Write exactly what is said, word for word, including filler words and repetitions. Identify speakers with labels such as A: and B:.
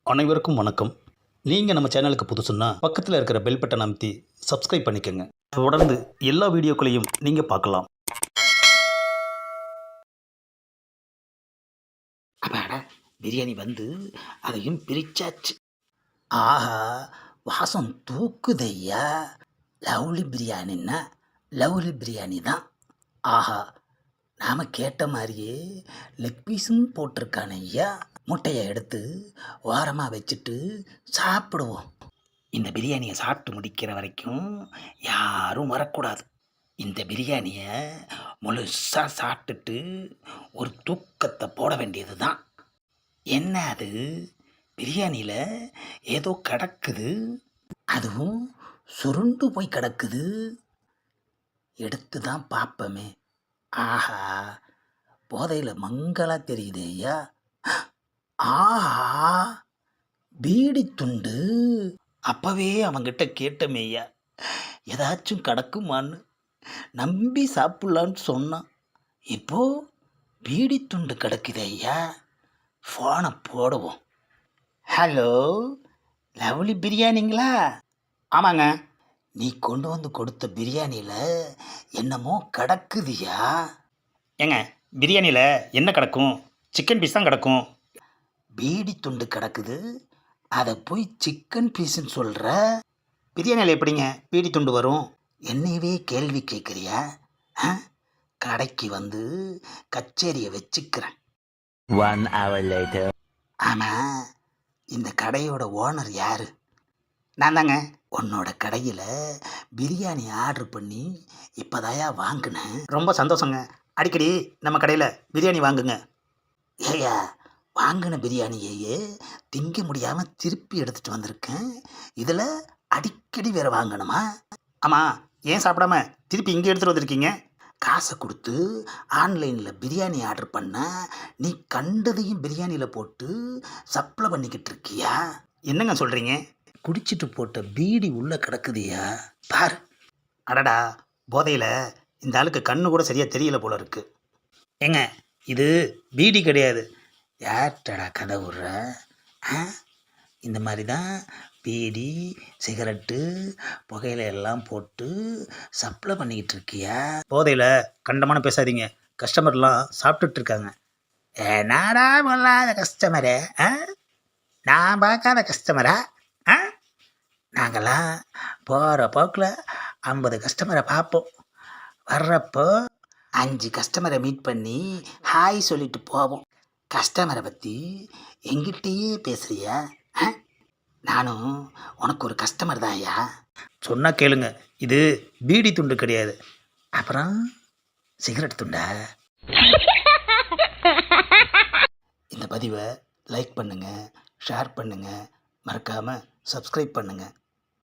A: அனைவருக்கும் வணக்கம். நீங்கள் நம்ம சேனலுக்கு புதுசுன்னா பக்கத்தில் இருக்கிற பெல் பட்டன் அமைத்தி சப்ஸ்கிரைப் பண்ணிக்கோங்க. தொடர்ந்து எல்லா வீடியோக்களையும் நீங்கள் பார்க்கலாம்.
B: அப்பாடா, பிரியாணி வந்து அதையும் பிரிச்சாச்சு. ஆஹா, வாசம் தூக்குதையா. லவ்லி பிரியாணின்னா லவ்லி பிரியாணி தான். ஆஹா, நாம் கேட்ட மாதிரியே லெக் பீஸும் போட்டிருக்கான ஐயா. முட்டையை எடுத்து ஓரமாக வச்சுட்டு சாப்பிடுவோம். இந்த பிரியாணியை சாப்பிட்டு முடிக்கிற வரைக்கும் யாரும் வரக்கூடாது. இந்த பிரியாணியை முழுசாக சாப்பிட்டுட்டு ஒரு தூக்கத்தை போட வேண்டியது தான். என்ன அது, பிரியாணியில் ஏதோ கிடக்குது, அதுவும் சுருண்டு போய் கிடக்குது. எடுத்து தான் பார்ப்போமே. ஆஹா, போதையில் மங்களா தெரியுது ஐயா. ஆஹா, பீடி துண்டு. அப்பவே அவங்கிட்ட கேட்டமே ஐயா, ஏதாச்சும் கிடக்குமான்னு. நம்பி சாப்பிட்லான்னு சொன்னான். இப்போ பீடி துண்டு கிடக்குது ஐயா. ஃபோனை போடுவோம். ஹலோ, லவ்லி பிரியாணிங்களா? ஆமாங்க. நீ கொண்டு வந்து கொடுத்த பிரியாணியில் என்னமோ கிடக்குதுயா. ஏங்க, பிரியாணியில் என்ன கிடக்கும்? சிக்கன் பீஸ் தான் கிடக்கும். பீடி துண்டு கிடக்குது, அதை போய் சிக்கன் பீஸுன்னு சொல்கிற. பிரியாணியில் எப்படிங்க பீடி துண்டு வரும்? என்னையவே கேள்வி கேட்குறியா? கடைக்கு வந்து கச்சேரியை வச்சுக்கிறேன்.
C: One hour later.
B: ஆமாம், இந்த கடையோட ஓனர் யாரு? நான் தாங்க. உன்னோட கடையில் பிரியாணி ஆர்டர் பண்ணி இப்போதாயா வாங்கினேன். ரொம்ப சந்தோஷங்க. அடிக்கடி நம்ம கடையில் பிரியாணி வாங்குங்க. ஏயா, வாங்கின பிரியாணியையே திங்க முடியாமல் திருப்பி எடுத்துகிட்டு வந்திருக்கேன். இதில் அடிக்கடி வேறு வாங்கணுமா? ஆமாம், ஏன் சாப்பிடாம திருப்பி இங்கே எடுத்துகிட்டு வந்திருக்கீங்க? காசை கொடுத்து ஆன்லைனில் பிரியாணி ஆர்டர் பண்ண நீ கண்டதையும் பிரியாணியில் போட்டு சப்ளை பண்ணிக்கிட்டு இருக்கியா? என்னங்க சொல்கிறீங்க? குடிச்சிட்டு போட்ட பீடி உள்ளே கிடக்குதியா பார். அடடா, போதையில் இந்த ஆளுக்கு கண்ணு கூட சரியாக தெரியல போல இருக்கு. ஏங்க, இது பீடி கிடையாது. யார்டா கதை விட்ற? ஆ, இந்த மாதிரி தான் பீடி சிகரெட்டு புகையில எல்லாம் போட்டு சப்ளை பண்ணிக்கிட்டு இருக்கியா? போதையில் கண்டமான பேசாதீங்க. கஸ்டமர்லாம் சாப்பிட்டுட்டு இருக்காங்க. என்னடா பொல்லாத கஸ்டமரே, ஆ, நான் பார்க்காத கஸ்டமரா? ஆ, நாங்கள்லாம் போகிற போக்கில் ஐம்பது கஸ்டமரை பார்ப்போம். வர்றப்போ அஞ்சு கஸ்டமரை மீட் பண்ணி ஹாய் சொல்லிட்டு போவோம். கஸ்டமரை பற்றி எங்கிட்டயே பேசுறியா? நானும் உனக்கு ஒரு கஸ்டமர் தான் ஐயா. சொன்னால் கேளுங்க, இது பீடி துண்டு கிடையாது. அப்புறம் சிகரெட் துண்டா? இந்த பதிவை லைக் பண்ணுங்கள், ஷேர் பண்ணுங்கள், மறக்காமல் சப்ஸ்கிரைப் பண்ணுங்கள்.